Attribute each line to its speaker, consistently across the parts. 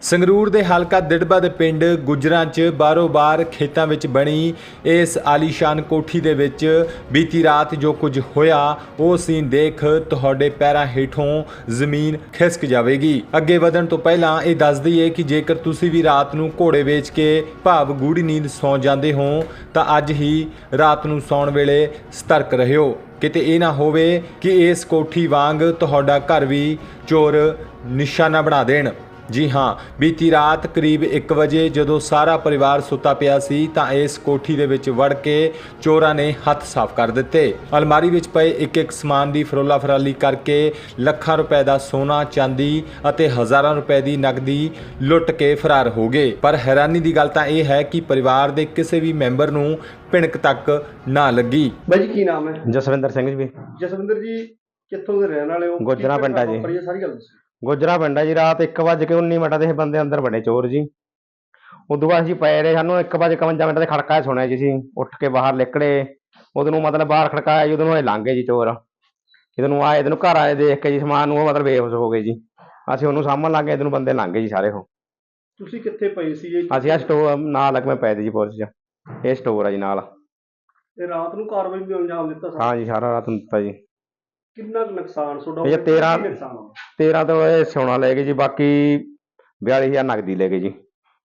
Speaker 1: ਸੰਗਰੂਰ ਦੇ ਹਲਕਾ ਦਿੜਬਾ ਦੇ ਪਿੰਡ ਗੁੱਜਰਾਂ 'ਚ ਬਾਰੋ-ਬਾਰ ਖੇਤਾਂ ਵਿੱਚ ਬਣੀ ਇਸ ਆਲੀਸ਼ਾਨ ਕੋਠੀ ਦੇ ਵਿੱਚ ਬੀਤੀ ਰਾਤ ਜੋ ਕੁਝ ਹੋਇਆ ਉਹ ਸੀਨ ਦੇਖ ਤੁਹਾਡੇ ਪੈਰਾਂ ਹੇਠੋਂ ਜ਼ਮੀਨ ਖਿਸਕ ਜਾਵੇਗੀ। ਅੱਗੇ ਵਧਣ ਤੋਂ ਪਹਿਲਾਂ ਇਹ ਦੱਸ ਦਈਏ ਕਿ ਜੇਕਰ ਤੁਸੀਂ ਵੀ ਰਾਤ ਨੂੰ ਘੋੜੇ ਵੇਚ ਕੇ ਭਾਵ ਗੂੜੀ ਨੀਂਦ ਸੌਂ ਜਾਂਦੇ ਹੋ ਤਾਂ ਅੱਜ ਹੀ ਰਾਤ ਨੂੰ ਸੌਣ ਵੇਲੇ ਸਤਰਕ ਰਹਿਓ। ਕਿਤੇ ਇਹ ਨਾ ਹੋਵੇ ਕਿ ਇਸ ਕੋਠੀ ਵਾਂਗ ਤੁਹਾਡਾ ਘਰ ਵੀ ਚੋਰ ਨਿਸ਼ਾਨਾ ਬਣਾ ਦੇਣ। ਜੀ ਹਾਂ, ਬੀਤੀ ਰਾਤ ਕਰੀਬ 1 ਵਜੇ ਜਦੋਂ ਸਾਰਾ ਪਰਿਵਾਰ ਸੁੱਤਾ ਪਿਆ ਸੀ ਤਾਂ ਇਸ ਕੋਠੀ ਦੇ ਵਿੱਚ ਵੜ ਕੇ ਚੋਰਾਂ ਨੇ ਹੱਥ ਸਾਫ਼ ਕਰ ਦਿੱਤੇ। ਅਲਮਾਰੀ ਵਿੱਚ ਪਏ ਇੱਕ ਸਮਾਨ ਦੀ ਫਰੋਲਾ ਫਰਾਲੀ ਕਰਕੇ ਲੱਖਾਂ ਰੁਪਏ ਦਾ ਸੋਨਾ, ਚਾਂਦੀ ਅਤੇ ਹਜ਼ਾਰਾਂ ਰੁਪਏ ਦੀ ਨਕਦੀ ਲੁੱਟ ਕੇ ਫਰਾਰ ਹੋ ਗਏ। ਪਰ ਹੈਰਾਨੀ ਦੀ ਗੱਲ ਤਾਂ ਇਹ ਹੈ ਕਿ ਪਰਿਵਾਰ ਦੇ ਕਿਸੇ ਵੀ ਮੈਂਬਰ ਨੂੰ ਭਿਣਕ ਤੱਕ ਨਾ ਲੱਗੀ।
Speaker 2: ਬਾਈ ਜੀ ਕੀ ਨਾਮ ਹੈ?
Speaker 3: ਜਸਵਿੰਦਰ ਸਿੰਘ ਜੀ।
Speaker 2: ਜਸਵਿੰਦਰ ਜੀ ਕਿੱਥੋਂ ਦੇ ਰਹਿਣ ਵਾਲੇ ਹੋ?
Speaker 3: ਗੁੱਜਰਾਂ ਪਿੰਡ ਆ ਜੀ।
Speaker 2: ਸਾਰੀ ਗੱਲ ਦੱਸੋ।
Speaker 3: ਗੁੱਜਰਾਂ ਪਿੰਡ ਆ ਜੀ। ਰਾਤ 1:19 ਦੇ ਬੰਦੇ ਅੰਦਰ ਵੜੇ ਚੋਰ ਜੀ। ਉਦੋਂ ਬਾਅਦ ਅਸੀਂ ਪਏ ਰਹੇ, ਸਾਨੂੰ 1:51 ਤੇ ਖੜਕਾ ਸੁਣਿਆ ਜੀ। ਅਸੀਂ ਉੱਠ ਕੇ ਬਾਹਰ ਨਿਕਲੇ, ਉਦੋਂ ਨੂੰ ਮਤਲਬ ਬਾਹਰ ਖੜਕਾਇਆ ਜੀ, ਉਦੋਂ ਨੂੰ ਇਹ ਲੰਘ ਗਏ ਜੀ ਚੋਰ। ਜਦੋਂ ਨੂੰ ਆਏ, ਇਹਨੂੰ ਘਰ ਆਏ ਦੇਖ ਕੇ ਜੀ ਸਮਾਨ ਨੂੰ ਉਹ ਮਤਲਬ ਬੇਹੋਸ਼ ਹੋ ਗਏ ਜੀ। ਅਸੀਂ ਉਹਨੂੰ ਸਾਂਭਣ ਲੱਗ ਗਏ, ਇਹਨੂੰ ਬੰਦੇ ਲੰਘ ਗਏ ਜੀ ਸਾਰੇ। ਉਹ
Speaker 2: ਤੁਸੀਂ ਕਿੱਥੇ ਪਏ ਸੀ ਜੀ?
Speaker 3: ਅਸੀਂ ਆ ਸਟੋਰ ਨਾਲ ਲੱਗਵੇਂ ਪਏ ਜੀ ਪੁਲਿਸ 'ਚ। ਇਹ ਸਟੋਰ ਆ ਜੀ ਨਾਲ।
Speaker 2: ਤੇ ਰਾਤ ਨੂੰ ਕਾਰਵਾਈ ਵੀ ਅੰਜਾਮ ਦਿੱਤਾ ਸਾਰਾ?
Speaker 3: ਹਾਂ ਜੀ, ਸਾਰਾ ਰਾਤ ਨੂੰ ਦਿੱਤਾ ਜੀ।
Speaker 2: ਕਿੰਨਾ ਕੁ ਨੁਕਸਾਨ ਤੁਹਾਡਾ?
Speaker 3: ਇਹ 13 ਤੋਂ ਇਹ ਸੋਨਾ ਲੈ ਗਏ ਜੀ, ਬਾਕੀ 42,000 ਨਕਦੀ ਲੈ ਗਏ ਜੀ।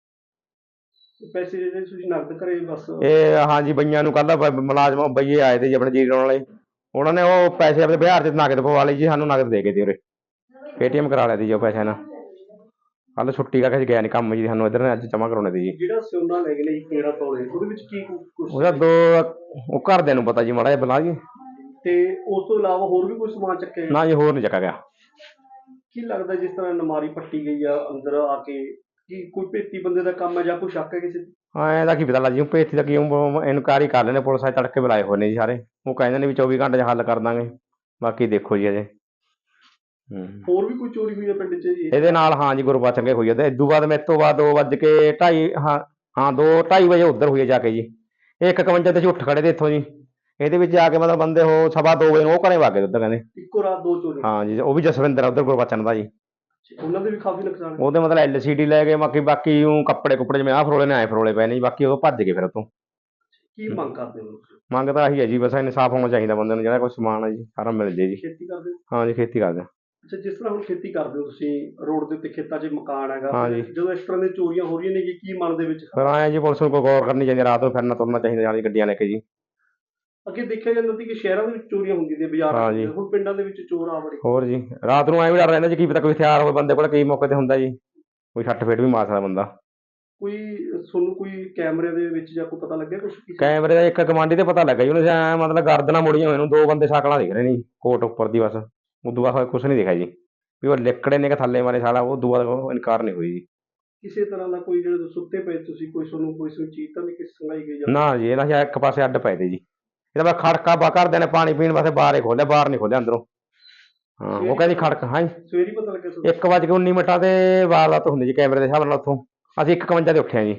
Speaker 2: ਪੈਸੇ ਜਿਹੜੇ ਤੁਸੀਂ ਨਕਦ ਕਰੇ ਬਸ?
Speaker 3: ਇਹ ਹਾਂ ਜੀ, ਬਈਆਂ ਨੂੰ ਕੱਲ੍ਹ ਮੁਲਾਜ਼ਮ ਬਈਏ ਆਏ ਤੇ ਜੀ ਆਪਣੇ ਜੀਰੋ ਵਾਲੇ, ਉਹਨਾਂ ਨੇ ਉਹ ਪੈਸੇ ਆਪਣੇ ਬਿਹਾਰ 'ਚ ਨਕਦ ਪਵਾ ਲਈ ਜੀ। ਸਾਨੂੰ ਨਕਦ ਦੇ ਗਏ ਤੇ ਉਰੇ ਪੇਟੀਐਮ ਕਰਾ ਲਿਆ ਤੀ ਜੀ ਉਹ ਪੈਸੇ ਨਾਲ। ਕੱਲ੍ਹ ਛੁੱਟੀ ਕਰਕੇ ਗਿਆ ਨਹੀਂ ਕੰਮ ਜੀ, ਸਾਨੂੰ ਇੱਧਰ ਨੇ ਅੱਜ ਜਮ੍ਹਾਂ ਕਰਾਉਣੇ ਤੀ ਜੀ।
Speaker 2: ਜਿਹੜਾ ਸੋਨਾ ਲੈ ਗਏ ਨੇ 13 ਤੋਲੇ, ਉਹਦੇ ਵਿੱਚ ਕੀ ਕੁਛ?
Speaker 3: ਉਹਦਾ ਉਹ ਘਰਦਿਆਂ ਨੂੰ ਪਤਾ ਜੀ, ਮਾੜਾ ਜਿਹਾ ਬਲਾ ਜੀ।
Speaker 2: ਤੇ ਉਸ ਤੋਂ ਇਲਾਵਾ ਹੋਰ ਵੀ ਕੋਈ ਸਮਾਨ ਚੱਕਿਆ?
Speaker 3: ਨਾ ਜੀ, ਹੋਰ ਨਹੀਂ ਚੱਕਾ ਗਿਆ।
Speaker 2: ਕੀ ਲੱਗਦਾ ਜਿਸ ਤਰ੍ਹਾਂ ਨਮਾਰੀ ਪੱਟੀ ਗਈ ਆ ਅੰਦਰ ਆ ਕੇ, ਕੀ ਕੋਈ ਭੇਤੀ ਬੰਦੇ ਦਾ ਕੰਮ ਹੈ ਜਾਂ ਕੋਈ ਸ਼ੱਕ ਹੈ ਕਿਸੇ ਤੇ?
Speaker 3: ਹਾਂ, ਇਹਦਾ ਕੀ ਪਤਾ ਲੱਗ ਜੀ। ਭੇਤੀ ਦਾ ਕੀ ਇਨਕੁਆਇਰੀ ਕਰ ਲੈਣੇ, ਪੁਲਿਸ ਆਏ ਤੜਕੇ ਬੁਲਾਏ ਹੋਏ ਨੇ ਜੀ ਸਾਰੇ। ਉਹ ਕਹਿੰਦੇ ਨੇ ਵੀ 24 ਘੰਟੇ 'ਚ ਹੱਲ ਕਰ ਦਾਂਗੇ, ਬਾਕੀ ਦੇਖੋ ਜੀ ਅਜੇ।
Speaker 2: ਹੋਰ ਵੀ ਕੋਈ ਚੋਰੀ ਹੋਈ ਹੈ ਪਿੰਡ 'ਚ ਜੀ
Speaker 3: ਇਹਦੇ ਨਾਲ? ਹਾਂ ਜੀ, ਗੁਰਬਚਨ ਹੋਈ ਹੈ। ਤੇ ਇਦੋਂ ਬਾਅਦ ਮੇਰੇ ਤੋਂ ਬਾਅਦ 2:2:30 2:30 ਵਜੇ ਉੱਧਰ ਹੋਈ ਹੈ ਜਾ ਕੇ ਜੀ। 1:51 ਤੇ ਅਸੀਂ ਉੱਠ ਖੜੇ ਤੇ ਇੱਥੋਂ ਜੀ। ਇਹਦੇ ਵਿੱਚ ਆ ਕੇ ਮਤਲਬ ਬੰਦੇ ਉਹ 2:15 ਵਜੇ ਨੂੰ ਉਹ ਘਰੇ ਵਗ ਗਏ ਉੱਧਰ, ਕਹਿੰਦੇ
Speaker 2: ਇੱਕੋ ਰਾਤ 2 ਚੋਰੀ?
Speaker 3: ਹਾਂ ਜੀ, ਉਹ ਵੀ ਜਸਵਿੰਦਰ ਉੱਧਰ ਗੁਰਬਚਨ ਦਾ ਜੀ।
Speaker 2: ਉਹਨਾਂ ਦੇ ਵੀ ਕਾਫੀ ਨੁਕਸਾਨ?
Speaker 3: ਉਹਦੇ ਮਤਲਬ LCD ਲੈ ਗਏ, ਬਾਕੀ ਉਹ ਕੱਪੜੇ ਕੁੱਪੜੇ ਜਿਵੇਂ ਆਹ ਫਰੋਲੇ ਨੇ ਆਏ ਫਰੋਲੇ ਪਏ ਨੇ ਜੀ। ਬਾਕੀ ਉਹ ਭੱਜ ਗਏ ਫਿਰ ਉੱਥੋਂ।
Speaker 2: ਕੀ ਮੰਗ ਕਰਦੇ ਹੋ?
Speaker 3: ਮੰਗ ਤਾਂ ਆਹੀ ਹੈ ਜੀ, ਬਸ ਇਨਸਾਫ ਹੋਣਾ ਚਾਹੀਦਾ ਬੰਦੇ ਨੂੰ। ਜਿਹੜਾ ਕੋਈ ਸਮਾਨ ਹੈ ਜੀ ਸਾਰਾ ਮਿਲ ਜੇ ਜੀ।
Speaker 2: ਖੇਤੀ ਕਰਦੇ ਹੋ?
Speaker 3: ਹਾਂ ਜੀ, ਖੇਤੀ ਕਰਦੇ ਹਾਂ।
Speaker 2: ਅੱਛਾ, ਜਿਸ ਤਰ੍ਹਾਂ ਹੁਣ ਖੇਤੀ ਕਰਦੇ ਹੋ ਤੁਸੀਂ, ਰੋਡ ਦੇ ਉੱਤੇ ਖੇਤਾਂ 'ਚ ਮਕਾਨ ਹੈਗਾ,
Speaker 3: ਹਾਂ ਜੀ।
Speaker 2: ਜਦੋਂ ਇਸ ਤਰ੍ਹਾਂ ਦੀਆਂ ਚੋਰੀਆਂ ਹੋ ਰਹੀਆਂ ਨੇ ਕੀ ਮਨ ਦੇ ਵਿੱਚ?
Speaker 3: ਫਿਰ ਆਏ ਜੀ, ਪੁਲਿਸ ਨੂੰ ਕੋਈ ਗੌਰ ਕਰਨੀ ਚਾਹੀਦੀ, ਰਾਤ ਨੂੰ ਫਿਰਨਾ ਤੁਰਨਾ ਚਾਹੀਦਾ ਨਾਲ ਗੱਡੀਆਂ ਲੈ ਕੇ ਜੀ।
Speaker 2: ਅੱਗੇ ਦੇਖਿਆ ਜਾਂਦਾ ਸੀ ਕਿ ਸ਼ਹਿਰਾਂ ਦੇ ਵਿੱਚ ਚੋਰੀਆਂ ਹੁੰਦੀਆਂ ਨੇ, ਬਾਜ਼ਾਰਾਂ ਦੇ ਵਿੱਚ, ਹੁਣ ਪਿੰਡਾਂ ਦੇ ਵਿੱਚ ਚੋਰ ਆ ਬੜੇ।
Speaker 3: ਹੋਰ ਜੀ, ਰਾਤ ਨੂੰ ਐਂ ਵੀ ਡਰ ਰਹਿੰਦਾ ਜੀ, ਕੀ ਪਤਾ ਕੋਈ ਹਥਿਆਰ ਹੋਵੇ ਬੰਦੇ ਕੋਲ, ਕਈ ਮੌਕੇ ਤੇ ਹੁੰਦਾ ਜੀ ਕੋਈ ਛੱਟ ਫੇਟ ਵੀ ਮਾਰ ਸਕਦਾ ਬੰਦਾ।
Speaker 2: ਕੋਈ ਤੁਹਾਨੂੰ ਕੋਈ ਕੈਮਰੇ ਦੇ ਵਿੱਚ ਜਾਂ ਕੋਈ ਪਤਾ ਲੱਗਿਆ ਕੁਛ?
Speaker 3: ਕੈਮਰੇ ਦਾ ਇੱਕ ਗਵਾਂਢੀ ਤੇ ਪਤਾ ਲੱਗਾ ਜੀ, ਉਹਨੇ ਐਂ ਮਤਲਬ ਗਰਦਨਾਂ ਮੁੜੀਆਂ ਹੋਏ ਨੂੰ 2 ਬੰਦੇ ਸ਼ਕਲਾਂ ਦਿਖ ਰਹੇ ਨੇ ਜੀ ਕੋਟ ਉੱਪਰ ਦੀ, ਬਸ ਉਦੋਂ ਬਾਅਦ ਕੁਛ ਨਹੀਂ ਦਿਖਿਆ ਜੀ ਵੀ ਉਹ ਲਿਕੜੇ ਨੇ ਕਿ ਥੱਲੇ ਮਾਰੇ ਸਾਲਾ। ਉਹ ਦੁਆ ਇਨਕਾਰ ਨਹੀਂ ਹੋਈ ਜੀ।
Speaker 2: ਕਿਸੇ ਤਰ੍ਹਾਂ ਦਾ ਕੋਈ ਜਿਹੜੇ ਸੁੱਤੇ ਪਏ ਤੁਸੀਂ, ਕੋਈ ਤੁਹਾਨੂੰ ਕੋਈ ਚੀਜ਼ ਤਾਂ ਨਹੀਂ ਕਿਸੇ ਸੰਗਾਈ ਗਈ?
Speaker 3: ਨਾ ਜੀ, ਇਹਨਾਂ ਇੱਕ ਪਾਸੇ ਅੱਡ ਪਏ ਤੇ ਜੀ। ਇਹਦਾ ਮੈਂ ਖੜਕਾ ਘਰਦਿਆਂ ਨੇ ਪਾਣੀ ਪੀਣ ਵਾਸਤੇ ਬਾਹਰ ਹੀ ਖੋਲਿਆ, ਬਾਹਰ ਨਹੀਂ ਖੋਲਿਆ ਅੰਦਰੋਂ। ਹਾਂ, ਉਹ ਕਹਿੰਦੀ ਖੜਕ। ਹਾਂ ਜੀ,
Speaker 2: ਸਵੇਰੇ ਪਤਾ ਲੱਗਿਆ?
Speaker 3: 1:19 ਤੇ ਵਾਰਦਾਤ ਹੁੰਦੀ ਜੀ ਕੈਮਰੇ ਦੇ ਹਿਸਾਬ ਨਾਲ। ਉੱਥੋਂ ਅਸੀਂ 1:51 ਤੇ ਉੱਠਿਆ ਜੀ।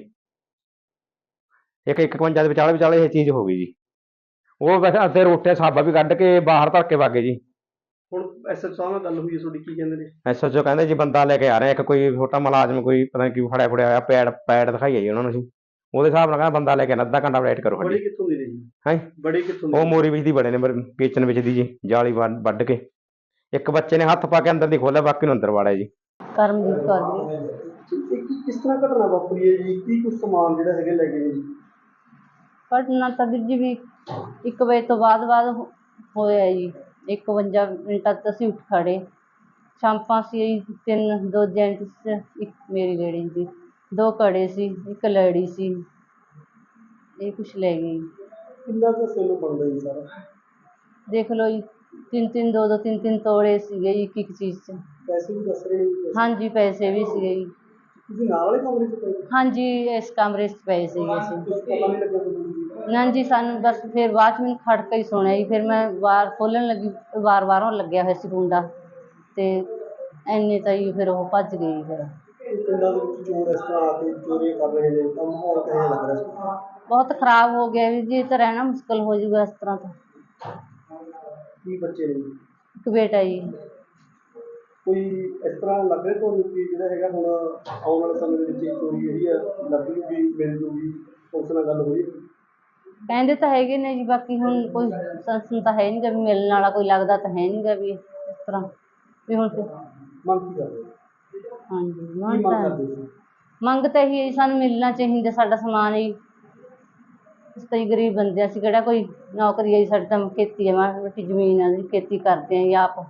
Speaker 3: 1:51 ਦੇ ਵਿਚਾਲੇ ਇਹ ਚੀਜ਼ ਹੋ ਗਈ ਜੀ। ਉਹ ਵੈਸੇ ਅੱਧੇ ਰੋਟੇ ਸਾਬਾ ਵੀ ਕੱਢ ਕੇ ਬਾਹਰ ਧਰ ਕੇ ਵਾਗੇ ਜੀ।
Speaker 2: ਹੁਣ SHO ਸਾਹਿਬ ਨਾਲ ਗੱਲ ਹੋਈ ਹੈ ਤੁਹਾਡੀ, ਕੀ ਕਹਿੰਦੇ ਨੇ?
Speaker 3: SHO ਕਹਿੰਦੇ ਜੀ ਬੰਦਾ ਲੈ ਕੇ ਆ ਰਿਹਾ, ਇੱਕ ਕੋਈ ਛੋਟਾ ਮੁਲਾਜ਼ਮ, ਕੋਈ ਪਤਾ ਨਹੀਂ ਕੀ ਫੜਿਆ ਹੋਇਆ, ਪੈਡ ਦਿਖਾਈਆ ਜੀ ਉਹਨਾਂ ਨੂੰ। ਅਸੀਂ ਉਹਦੇ ਹਿਸਾਬ ਨਾਲ ਕਹਿੰਦਾ ਬੰਦਾ ਲੈ ਕੇ ਆਉਣਾ, ਅੱਧਾ ਘੰਟਾ ਵੇਟ ਕਰੋ।
Speaker 2: ਬੜੇ ਕਿੱਥੋਂ ਦੀ ਨੇ ਜੀ?
Speaker 3: ਹਾਂ,
Speaker 2: ਬੜੇ ਕਿੱਥੋਂ?
Speaker 3: ਉਹ ਮੋਰੀ ਵਿੱਚ ਦੀ ਬੜੇ ਨੇ, ਵੇਚਣ ਵਿੱਚ ਦੀ ਜੀ, ਜਾਲੀ ਵੱਢ ਕੇ। ਇੱਕ ਬੱਚੇ ਨੇ ਹੱਥ ਪਾ ਕੇ ਅੰਦਰ ਦੀ ਖੋਲਿਆ, ਬਾਕੀ ਨੂੰ ਅੰਦਰ ਵਾੜਿਆ ਜੀ।
Speaker 4: ਕਰਮਜੀਤ ਕੌਰ ਜੀ।
Speaker 2: ਕਿਸ ਤਰ੍ਹਾਂ ਘਟਨਾ ਵਾਪਰੀ ਹੈ ਜੀ? ਕੀ ਕੁਛ ਸਮਾਨ ਜਿਹੜਾ ਹੈਗੇ ਲੈ ਗਏ ਨੇ ਜੀ?
Speaker 4: ਘਟਨਾ ਤਾਂ ਵੀਰ ਜੀ ਵੀ 1 ਵਜੇ ਤੋਂ ਬਾਅਦ ਹੋਇਆ ਜੀ। 51 ਮਿੰਟਾਂ ਤੱਕ ਅਸੀਂ ਉੱਠ ਖੜ੍ਹੇ। ਛਾਂਪਾਂ ਸੀ 3, 2 ਜੈਂਟਸ, ਇੱਕ ਮੇਰੀ ਲੇਡੀ ਸੀ, 2 ਕੜੇ ਸੀ, ਇੱਕ ਲੜੀ ਸੀ। ਇਹ ਕੁਛ ਲੈ ਗਏ ਜੀ।
Speaker 2: ਕਿੰਨਾ ਕੁ ਸੋਨਾ ਬਣਦਾ ਜੀ ਸਾਰਾ?
Speaker 4: ਦੇਖ ਲਓ ਜੀ, 3-3, 2-2, 3-3 ਤੋਲੇ ਸੀਗੇ ਜੀ ਇੱਕ ਚੀਜ਼ 'ਚ।
Speaker 2: ਪੈਸੇ ਵੀ ਦੱਸ ਰਹੇ ਨੇ?
Speaker 4: ਹਾਂਜੀ, ਪੈਸੇ ਵੀ ਸੀਗੇ ਜੀ।
Speaker 2: ਤੁਸੀਂ ਨਾਲ ਵਾਲੇ ਕਮਰੇ 'ਚ ਪਏ?
Speaker 4: ਹਾਂਜੀ, ਇਸ ਕਮਰੇ 'ਚ ਪਏ ਸੀਗੇ ਅਸੀਂ।
Speaker 2: ਕੁਛ ਪਤਾ ਨਹੀਂ ਲੱਗਿਆ ਤੁਹਾਨੂੰ?
Speaker 4: ਨਾ ਜੀ, ਸਾਨੂੰ ਬਸ ਫਿਰ ਬਾਅਦ 'ਚ ਮੈਨੂੰ ਖੜਕਾ ਹੀ ਸੁਣਿਆ ਜੀ। ਫਿਰ ਮੈਂ ਵਾਰ ਖੋਲ੍ਹਣ ਲੱਗੀ, ਵਾਰ ਬਾਹਰੋਂ ਲੱਗਿਆ ਹੋਇਆ ਸੀ ਕੁੰਡਾ, ਅਤੇ ਇੰਨੇ ਤਾਂ ਜੀ ਫਿਰ ਉਹ ਭੱਜ ਗਏ ਜੀ। ਫਿਰ
Speaker 2: ਪਿੰਡਾਂ ਦੇ ਵਿੱਚ ਚੋਰ ਇਸ ਤਰ੍ਹਾਂ ਆ ਕੇ ਚੋਰੀਆਂ ਕਰ ਰਹੇ ਨੇ, ਤਾਂ ਮਾਹੌਲ ਕਿਹੋ ਜਿਹਾ ਲੱਗ ਰਿਹਾ?
Speaker 4: ਬਹੁਤ ਖ਼ਰਾਬ ਹੋ ਗਿਆ ਵੀ ਜੀ, ਇਹ ਤਾਂ ਰਹਿਣਾ ਮੁਸ਼ਕਿਲ ਹੋ ਜਾਊਗਾ ਇਸ ਤਰ੍ਹਾਂ ਤਾਂ।
Speaker 2: ਕੀ ਬੱਚੇ ਨੇ?
Speaker 4: ਇੱਕ ਬੇਟਾ ਜੀ।
Speaker 2: ਕੋਈ ਇਸ ਤਰ੍ਹਾਂ ਲੱਗ ਰਿਹਾ ਤੁਹਾਨੂੰ ਕਿ ਜਿਹੜਾ ਹੈਗਾ ਹੁਣ ਆਉਣ ਵਾਲੇ ਸਮੇਂ ਦੇ ਵਿੱਚ ਇਹ ਚੋਰੀ ਜਿਹੜੀ ਆ ਲੱਭ ਜੂਗੀ, ਮਿਲ ਜੂਗੀ, ਉਸ ਨਾਲ ਗੱਲ ਹੋਈ?
Speaker 4: ਕਹਿੰਦੇ ਤਾਂ ਹੈਗੇ ਨੇ ਜੀ, ਬਾਕੀ ਹੁਣ ਕੋਈ ਸੰਸਨ ਤਾਂ ਹੈ ਨਹੀਂ ਗਾ ਵੀ ਮਿਲਣ ਵਾਲਾ ਕੋਈ ਲੱਗਦਾ ਤਾਂ ਹੈ ਨਹੀਂ ਗਾ ਵੀ ਇਸ ਤਰ੍ਹਾਂ ਵੀ ਹੁਣ ਫਿਰ।
Speaker 2: ਮੰਗ ਕੀ ਕਰਦੇ ਹੋ?
Speaker 4: ਹਾਂਜੀ
Speaker 2: ਕੀ
Speaker 4: ਮੰਗ
Speaker 2: ਮੰਗ
Speaker 4: ਤਾਂ
Speaker 2: ਕਰਦੇ ਹੋ?
Speaker 4: ਮੰਗ ਤਾਂ ਇਹੀ ਹੈ ਜੀ, ਸਾਨੂੰ ਮਿਲਣਾ ਚਾਹੀਦਾ ਸਾਡਾ ਸਮਾਨ ਜੀ। ਅਸੀਂ ਤਾਂ ਜੀ ਗਰੀਬ ਬੰਦੇ ਹਾਂ, ਅਸੀਂ ਕਿਹੜਾ ਕੋਈ ਨੌਕਰੀ ਹੈ ਜੀ, ਸਾਡੀ ਤਾਂ ਖੇਤੀ ਹੈ, ਮਾੜੀ ਮੋਟੀ ਜ਼ਮੀਨ ਹੈ ਜੀ, ਖੇਤੀ ਕਰਦੇ ਹਾਂ ਜੀ ਆਪ।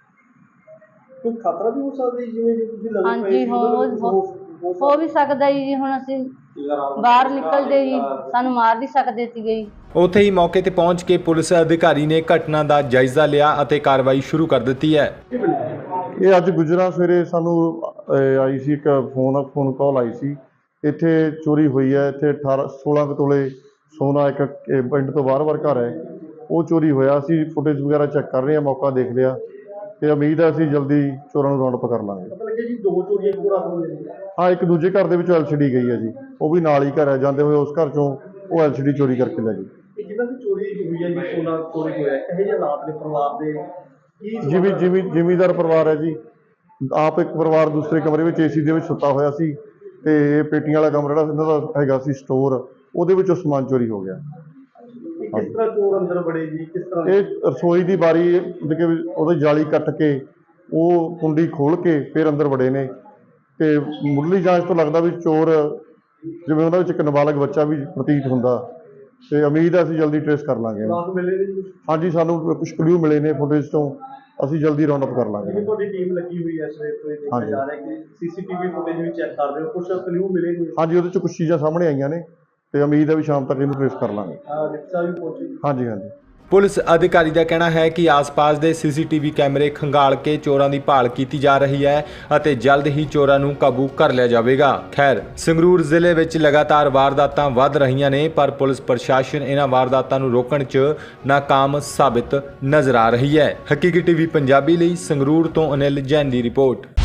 Speaker 2: ਕੋਈ ਖਤਰਾ ਵੀ ਹੋ ਸਕਦਾ ਜੀ, ਜਿਵੇਂ ਜੇ ਤੁਸੀਂ ਲੱਗੇ ਪਏ
Speaker 4: ਹਾਂਜੀ
Speaker 2: ਸੀ ਉਹਨਾਂ ਨੂੰ
Speaker 4: ਹੋ ਵੀ ਸਕਦਾ ਜੀ, ਹੁਣ ਅਸੀਂ ਬਾਹਰ ਨਿਕਲਦੇ ਜੀ ਸਾਨੂੰ ਮਾਰ ਵੀ ਸਕਦੇ ਸੀਗੇ ਜੀ।
Speaker 1: ਉੱਥੇ ਹੀ ਮੌਕੇ ਤੇ ਪਹੁੰਚ ਕੇ ਪੁਲਿਸ ਅਧਿਕਾਰੀ ਨੇ ਘਟਨਾ ਦਾ ਜਾਇਜ਼ਾ ਲਿਆ ਅਤੇ ਕਾਰਵਾਈ ਸ਼ੁਰੂ ਕਰ ਦਿੱਤੀ ਹੈ।
Speaker 5: ਇਹ ਅੱਜ ਗੁਜਰਾਂ ਸਵੇਰੇ ਸਾਨੂੰ ਆਈ ਸੀ ਇੱਕ ਫੋਨ ਕਾਲ ਆਈ ਸੀ, ਇੱਥੇ ਚੋਰੀ ਹੋਈ ਹੈ। ਇੱਥੇ 16 ਕੁ ਤੋਲੇ ਸੋਨਾ ਇੱਕ ਪਿੰਡ ਤੋਂ ਬਾਹਰ ਘਰ ਹੈ, ਉਹ ਚੋਰੀ ਹੋਇਆ। ਅਸੀਂ ਫੁਟੇਜ ਵਗੈਰਾ ਚੈੱਕ ਕਰ ਰਹੇ ਹਾਂ, ਮੌਕਾ ਦੇਖ ਲਿਆ ਤੇ ਉਮੀਦ ਹੈ ਅਸੀਂ ਜਲਦੀ ਚੋਰਾਂ ਨੂੰ ਰਾਉਂਡ ਅਪ ਕਰ ਲਾਂਗੇ।
Speaker 2: ਪਤਾ ਲੱਗਿਆ ਜੀ 2 ਚੋਰੀਆਂ ਇੱਕੋ ਰਾਤ ਹੋਈਆਂ ਜੀ?
Speaker 5: ਹਾਂ, ਇੱਕ ਦੂਜੇ ਘਰ ਦੇ ਵਿੱਚ LCD ਗਈ ਹੈ ਜੀ, ਉਹ ਵੀ ਨਾਲ ਹੀ ਘਰ ਹੈ, ਜਾਂਦੇ ਹੋਏ ਉਸ ਘਰ ਚੋਂ ਉਹ LCD ਚੋਰੀ ਕਰਕੇ ਲੈ ਗਈ।
Speaker 2: ਇਹ ਜਿਹਨਾਂ ਦੀ ਚੋਰੀ ਹੋਈ ਹੈ ਜੀ, ਸੋਨਾ ਚੋਰੀ ਹੋਇਆ, ਇਹੋ ਜਿਹੇ ਹਾਲਾਤ ਨੇ ਪਰਿਵਾਰ ਦੇ ਕੀ?
Speaker 5: ਜ਼ਿਮੀਂਦਾਰ ਪਰਿਵਾਰ ਹੈ ਜੀ, ਆਪ ਇੱਕ ਪਰਿਵਾਰ ਦੂਸਰੇ ਕਮਰੇ ਵਿੱਚ AC ਦੇ ਵਿੱਚ ਸੁੱਤਾ ਹੋਇਆ ਸੀ ਤੇ ਇਹ ਪੇਟੀਆਂ ਵਾਲਾ ਕਮਰਾ ਜਿਹੜਾ ਇਹਨਾਂ ਦਾ ਹੈਗਾ ਸੀ ਸਟੋਰ, ਉਹਦੇ ਵਿੱਚੋਂ ਸਮਾਨ ਚੋਰੀ ਹੋ ਗਿਆ।
Speaker 2: ਕਿਸ ਤਰ੍ਹਾਂ ਚੋਰ ਅੰਦਰ ਵੜੇ ਜੀ, ਕਿਸ ਤਰ੍ਹਾਂ?
Speaker 5: ਇਹ ਰਸੋਈ ਦੀ ਬਾਰੀ ਉਹਦੀ ਜਾਲੀ ਕੱਟ ਕੇ ਉਹ ਕੁੰਡੀ ਖੋਲ ਕੇ ਫਿਰ ਅੰਦਰ ਵੜੇ ਨੇ ਤੇ ਮੁੱਢਲੀ ਜਾਂਚ ਤੋਂ ਲੱਗਦਾ ਵੀ ਚੋਰ ਜਿਵੇਂ ਉਹਨਾਂ ਵਿੱਚ ਇੱਕ ਨਾਬਾਲਗ ਬੱਚਾ ਵੀ ਪ੍ਰਤੀਤ ਹੁੰਦਾ ਤੇ ਉਮੀਦ ਹੈ ਅਸੀਂ ਜਲਦੀ ਟ੍ਰੇਸ ਕਰ ਲਾਂਗੇ।
Speaker 2: ਰਾਤ ਮਿਲੇ ਨੇ ਜੀ?
Speaker 5: ਹਾਂਜੀ, ਸਾਨੂੰ ਕੁਝ ਕਲੂ ਮਿਲੇ ਨੇ ਫੁਟੇਜ ਤੋਂ, ਅਸੀਂ ਜਲਦੀ ਰਾਉਂਡ ਅਪ ਕਰ ਲਾਂਗੇ।
Speaker 2: ਜਿਵੇਂ ਤੁਹਾਡੀ ਟੀਮ ਲੱਗੀ ਹੋਈ ਹੈ ਸਵੇਰ ਤੋਂ, ਇਹ ਦੇਖਿਆ ਜਾ ਰਿਹਾ ਕਿ CCTV ਫੁਟੇਜ ਵੀ ਚੈੱਕ ਕਰ ਰਹੇ ਹੋ, ਕੁਝ ਕਲੂ ਮਿਲੇ ਨੇ?
Speaker 5: ਹਾਂਜੀ, ਉਹਦੇ 'ਚ ਕੁਝ ਚੀਜ਼ਾਂ ਸਾਹਮਣੇ ਆਈਆਂ ਨੇ ਤੇ ਉਮੀਦ ਹੈ ਵੀ ਸ਼ਾਮ ਤੱਕ ਇਹਨੂੰ ਟ੍ਰੇਸ ਕਰ ਲਾਂਗੇ।
Speaker 2: ਰਿਕਸ਼ਾ ਵੀ ਪਹੁੰਚੀ?
Speaker 5: ਹਾਂਜੀ।
Speaker 1: ਪੁਲਿਸ ਅਧਿਕਾਰੀ ਦਾ ਕਹਿਣਾ ਹੈ ਕਿ ਆਸ-ਪਾਸ ਦੇ CCTV ਕੈਮਰੇ ਖੰਗਾਲ ਕੇ ਚੋਰਾਂ ਦੀ ਭਾਲ ਕੀਤੀ ਜਾ ਰਹੀ ਹੈ ਅਤੇ ਜਲਦ ਹੀ ਚੋਰਾਂ ਨੂੰ ਕਾਬੂ ਕਰ ਲਿਆ ਜਾਵੇਗਾ। ਖੈਰ, ਸੰਗਰੂਰ ਜ਼ਿਲ੍ਹੇ ਵਿੱਚ ਲਗਾਤਾਰ ਵਾਰਦਾਤਾਂ ਵੱਧ ਰਹੀਆਂ ਨੇ, ਪਰ ਪੁਲਿਸ ਪ੍ਰਸ਼ਾਸਨ ਇਹਨਾਂ ਵਾਰਦਾਤਾਂ ਨੂੰ ਰੋਕਣ 'ਚ ਨਾਕਾਮ ਸਾਬਿਤ ਨਜ਼ਰ ਆ ਰਹੀ ਹੈ। ਹਕੀਕੀ TV ਪੰਜਾਬੀ ਲਈ ਸੰਗਰੂਰ ਤੋਂ ਅਨਿਲ ਜੈਨ ਦੀ ਰਿਪੋਰਟ।